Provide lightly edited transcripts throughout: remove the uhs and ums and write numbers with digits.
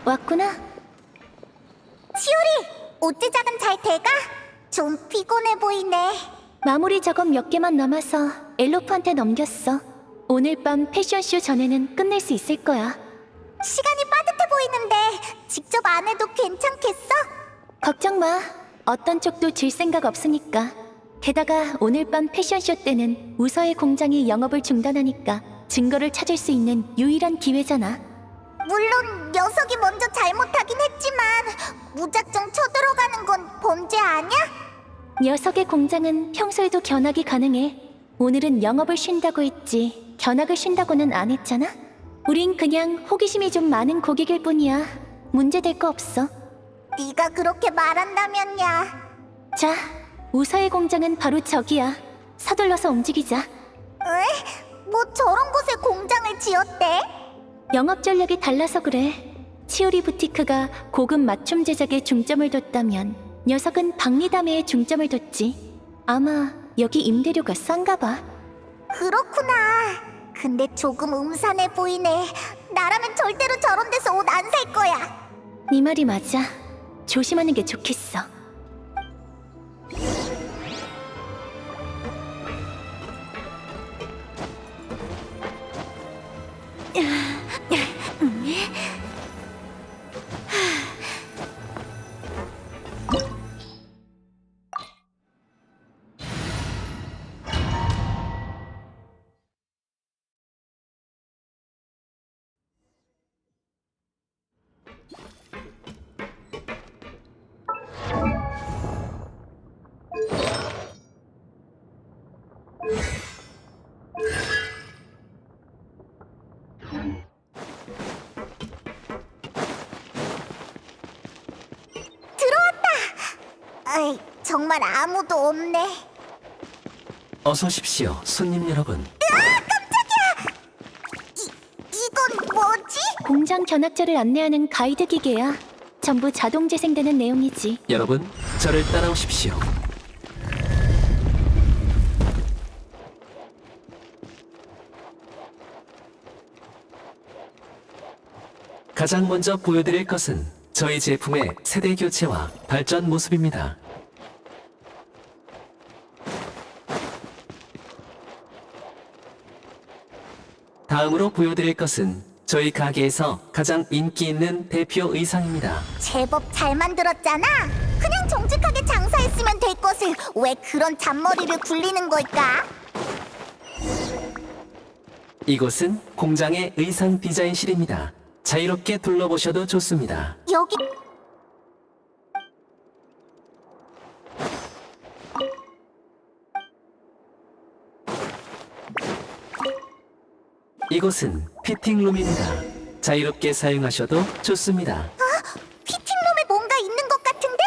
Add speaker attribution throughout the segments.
Speaker 1: 왔구나.
Speaker 2: 치오리, 옷 제작은 잘 돼가? 좀 피곤해 보이네.
Speaker 1: 마무리 작업 몇 개만 남아서 엘로프한테 넘겼어. 오늘 밤 패션쇼 전에는 끝낼 수 있을 거야.
Speaker 2: 시간이 빠듯해 보이는데 직접 안 해도 괜찮겠어?
Speaker 1: 걱정 마. 어떤 쪽도 질 생각 없으니까. 게다가 오늘 밤 패션쇼 때는 우서의 공장이 영업을 중단하니까 증거를 찾을 수 있는 유일한 기회잖아.
Speaker 2: 물론 녀석이 먼저 잘못하긴 했지만 무작정 쳐들어가는 건 범죄 아니야?
Speaker 1: 녀석의 공장은 평소에도 견학이 가능해. 오늘은 영업을 쉰다고 했지 견학을 쉰다고는 안 했잖아? 우린 그냥 호기심이 좀 많은 고객일 뿐이야. 문제될 거 없어.
Speaker 2: 네가 그렇게 말한다면야.
Speaker 1: 자, 우서의 공장은 바로 저기야. 서둘러서 움직이자.
Speaker 2: 에? 뭐 저런 곳에 공장을 지었대?
Speaker 1: 영업 전략이 달라서 그래. 치오리 부티크가 고급 맞춤 제작에 중점을 뒀다면 녀석은 박리담회에 중점을 뒀지. 아마 여기 임대료가 싼가 봐.
Speaker 2: 그렇구나. 근데 조금 음산해 보이네. 나라면 절대로 저런 데서 옷 안 살 거야.
Speaker 1: 네 말이 맞아. 조심하는 게 좋겠어.
Speaker 2: 아이, 정말 아무도 없네.
Speaker 3: 어서 오십시오, 손님 여러분.
Speaker 2: 이건 뭐지?
Speaker 1: 공장 견학자를 안내하는 가이드 기계야. 전부 자동 재생되는 내용이지.
Speaker 3: 여러분, 저를 따라오십시오. 가장 먼저 보여드릴 것은 저희 제품의 세대 교체와 발전 모습입니다. 다음으로 보여드릴 것은 저희 가게에서 가장 인기 있는 대표 의상입니다.
Speaker 2: 제법 잘 만들었잖아. 그냥 정직하게 장사했으면 될 것을 왜 그런 잔머리를 굴리는 걸까?
Speaker 3: 이곳은 공장의 의상 디자인실입니다. 자유롭게 둘러보셔도 좋습니다.
Speaker 2: 여기
Speaker 3: 이곳은 피팅룸입니다. 자유롭게 사용하셔도 좋습니다.
Speaker 2: 피팅룸에 뭔가 있는 것 같은데?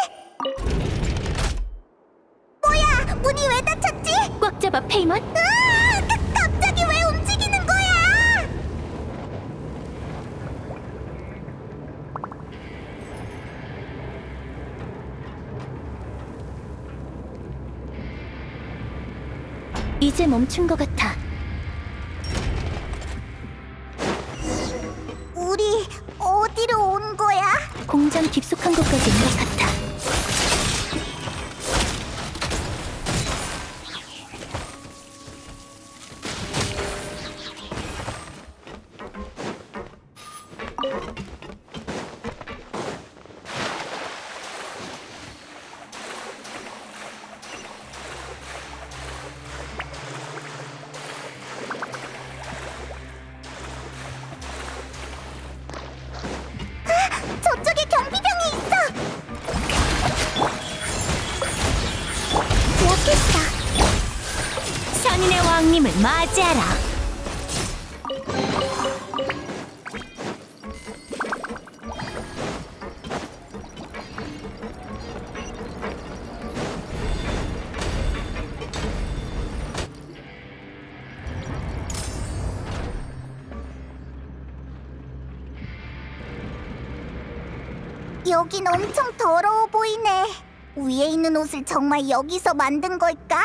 Speaker 2: 뭐야? 문이 왜 닫혔지?
Speaker 1: 꽉 잡아, 페이먼.
Speaker 2: 갑자기 왜 움직이는 거야?
Speaker 1: 이제 멈춘 것 같아.
Speaker 2: 우리 어디로 온 거야?
Speaker 1: 공장 깊숙한 곳까지 온 것 같아.
Speaker 2: 저쪽에 경비병이 있어. 기억했어.
Speaker 1: 선인의 왕님을 맞이하라.
Speaker 2: 여긴 엄청 더러워 보이네. 위에 있는 옷을 정말 여기서 만든 걸까?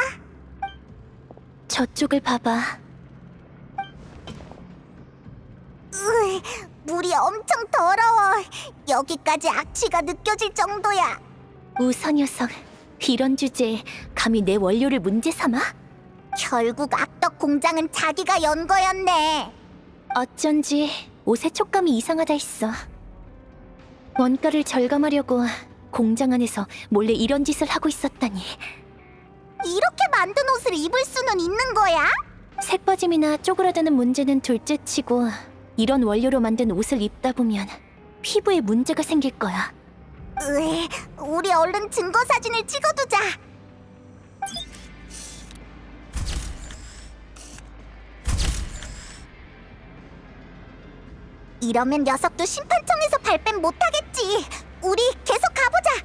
Speaker 1: 저쪽을 봐봐.
Speaker 2: 물이 엄청 더러워. 여기까지 악취가 느껴질 정도야.
Speaker 1: 우서 녀석, 이런 주제에 감히 내 원료를 문제 삼아?
Speaker 2: 결국 악덕 공장은 자기가 연 거였네.
Speaker 1: 어쩐지 옷의 촉감이 이상하다 했어. 원가를 절감하려고 공장 안에서 몰래 이런 짓을 하고 있었다니.
Speaker 2: 이렇게 만든 옷을 입을 수는 있는 거야?
Speaker 1: 색빠짐이나 쪼그라드는 문제는 둘째치고 이런 원료로 만든 옷을 입다 보면 피부에 문제가 생길 거야.
Speaker 2: 으에, 우리 얼른 증거 사진을 찍어두자. 이러면 녀석도 심판청에서 발뺌 못하겠지. 우리 계속 가보자.